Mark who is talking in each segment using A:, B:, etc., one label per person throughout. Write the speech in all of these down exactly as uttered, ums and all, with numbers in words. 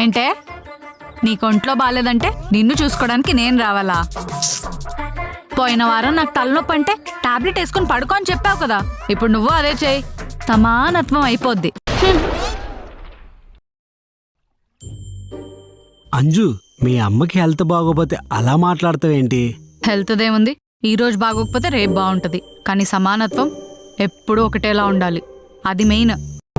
A: ఏంటే నీకు ఒంట్లో బాగాలేదంటే నిన్ను చూసుకోవడానికి నేను రావాలా? పోయిన వారం నాకు తలనొప్పి అంటే టాబ్లెట్ వేసుకుని పడుకో అని చెప్పావు కదా, ఇప్పుడు నువ్వు అదే చేయి, సమానత్వం అయిపోద్ది.
B: అంజు, మీ అమ్మకి హెల్త్ బాగోపోతే అలా మాట్లాడతావేంటి?
A: హెల్త్ దేముంది, ఈ రోజు బాగోకపోతే రేపు బాగుంటది, కానీ సమానత్వం ఎప్పుడూ ఒకటేలా ఉండాలి, అది మెయిన్.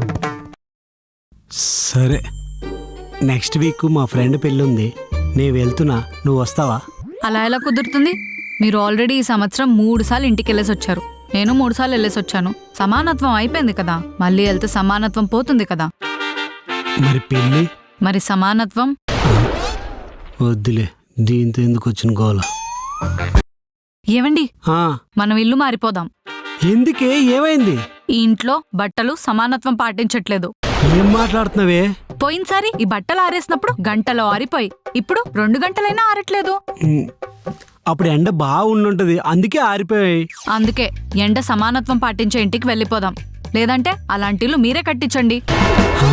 B: సరే, నెక్స్ట్ వీక్ మా ఫ్రెండ్ పెళ్ళుంది, నేను వెళ్తున్నా, నువ్వు వస్తావా?
A: అలా ఎలా కుదురుతుంది? మీరు ఆల్రెడీ ఈ సంవత్సరం మూడు సార్లు ఇంటికి వెళ్ళేసి వచ్చారు, నేను మూడు సార్లు వెళ్ళేసి వచ్చాను. సమానత్వం అయిపోయింది కదా, మళ్ళీ వెళ్తే సమానత్వం పోతుంది కదా.
B: మరి పెళ్ళి?
A: మరి సమానత్వం
B: వద్దులే, దీంతో ఎందుకు వచ్చిన గోల.
A: ఏవండి,
B: ఆ,
A: మనం ఇల్లు మారిపోదాం.
B: ఎందుకే, ఏమైంది?
A: ఈ ఇంట్లో బట్టలు సమానత్వం పాటించట్లేదు.
B: ఏం మాట్లాడుతున్నావే?
A: పోయినసారి ఈ బట్టలు ఆరేసినప్పుడు గంటలో ఆరిపోయి, ఇప్పుడు రెండు గంటలైనా ఆరట్లేదు.
B: ఉమ్, అప్పుడు ఎండ బాగా ఉండుంటది, అందుకే ఆరిపోయాయి.
A: అందుకే ఎండ సమానత్వం పాటించే ఇంటికి వెళ్ళిపోదాం, లేదంటే అలాంటి ఇల్లు మీరే కట్టించండి.
B: హా?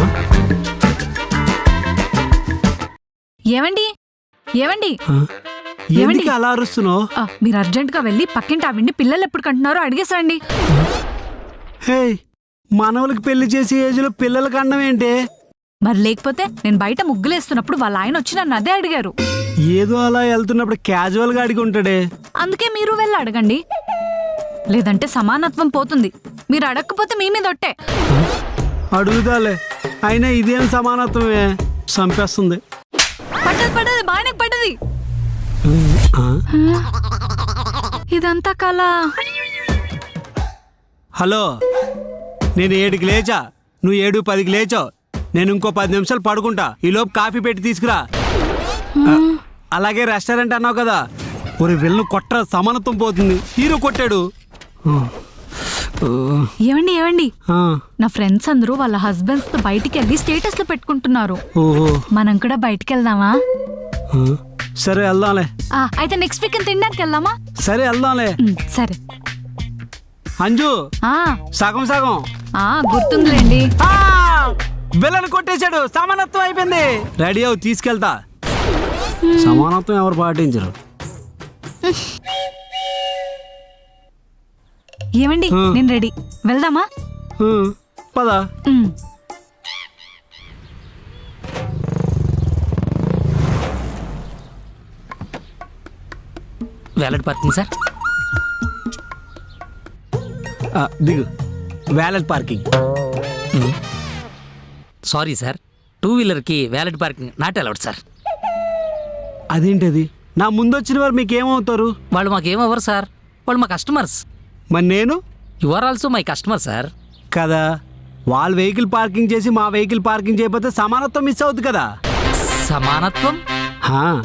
A: ఏవండి ఏవండి
B: హా? ఎందుకు అలా అరుస్తున్నావు?
A: ఆ, మీరు అర్జెంట్ గా వెళ్ళి పక్కింటి ఆవిడ్ని పిల్లలు ఎప్పుడు కంటున్నారో అడిగేసండి.
B: హే, మనవలకి పెళ్లి చేసే ఏజ్ లో పిల్లలకి అన్నం ఏంటి?
A: మరి లేకపోతే నేను బయట ముగ్గులేస్తున్నప్పుడు వాళ్ళ ఆయన వచ్చి నన్ను అదే అడిగారు.
B: ఏదో అలా వెళ్తున్నప్పుడు క్యాజువల్ గా అడిగి ఉంటాడే.
A: అందుకే మీరు వెళ్ళి అడగండి, లేదంటే సమానత్వం పోతుంది. మీరు అడగకపోతే మీ మీద ఒట్టే.
B: అడుగుతాలే, అయినా ఇదేం సమానత్వమే, చంపేస్తుంది.
A: పడ్డది పడ్డది బాగానే పడ్డది.
B: ఆ?
A: ఇదంతా కళ.
B: హలో, నేను ఏడుకి లేచా, నువ్వు ఏడు పదికి లేచావు, నేను ఇంకో పది నిమిషాలు పడుకుంటా, ఈలోపు కాఫీ పెట్టి తీసుకురా. అలాగే రెస్టారెంట్ అన్నావు కదా, ఒక వెళ్ళను కొట్ట, సమానత్వం పోతుంది. హీరో కొట్టాడు.
A: ఏవండి ఏవండి
B: ఆ,
A: నా ఫ్రెండ్స్ అందరూ వాళ్ళ హస్బెండ్స్ తో బయటికి వెళ్ళి స్టేటస్ లో పెట్టుకుంటున్నారు.
B: ఓహో,
A: మనం కూడా బయటికి వెళ్దామా?
B: ఆ, సరే వెళ్దాంలే.
A: ఆ, అయితే నెక్స్ట్ వీక్ తినడానికి వెళ్దామా?
B: సరే వెళ్దాంలే.
A: ఉమ్, సరే.
B: అంజు,
A: ఆ
B: సగం సగం.
A: ఆ గుర్తుందిలేండి.
B: బిల్లను కొట్టేశాడు, సమానత్వం అయిపోయింది. రెడీ అవు, తీసుకెళ్తా. సమానత్వం ఎవరు పాటించరు.
A: ఏమండి,
B: ఆ.
A: నేను రెడీ, వెళ్దామా?
B: ఆ, పద.
A: ఉమ్.
C: Valet parking sir.
B: ఆ, దిగు. Valet parking.
C: Sorry sir, two వీలర్కి valet parking not allowed sir.
B: అదేంటది? నా ముందు వచ్చిన వారు మీకేమవుతారు?
C: వాళ్ళు మాకేమవ్వరు సార్, వాళ్ళు మా కస్టమర్స్.
B: మరి నేను?
C: You are also my customer sir.
B: కదా, వాళ్ళ వెహికల్ పార్కింగ్ చేసి మా వెహికల్ పార్కింగ్ చేయకపోతే సమానత్వం మిస్ అవుతుంది కదా.
C: సమానత్వం?
B: హా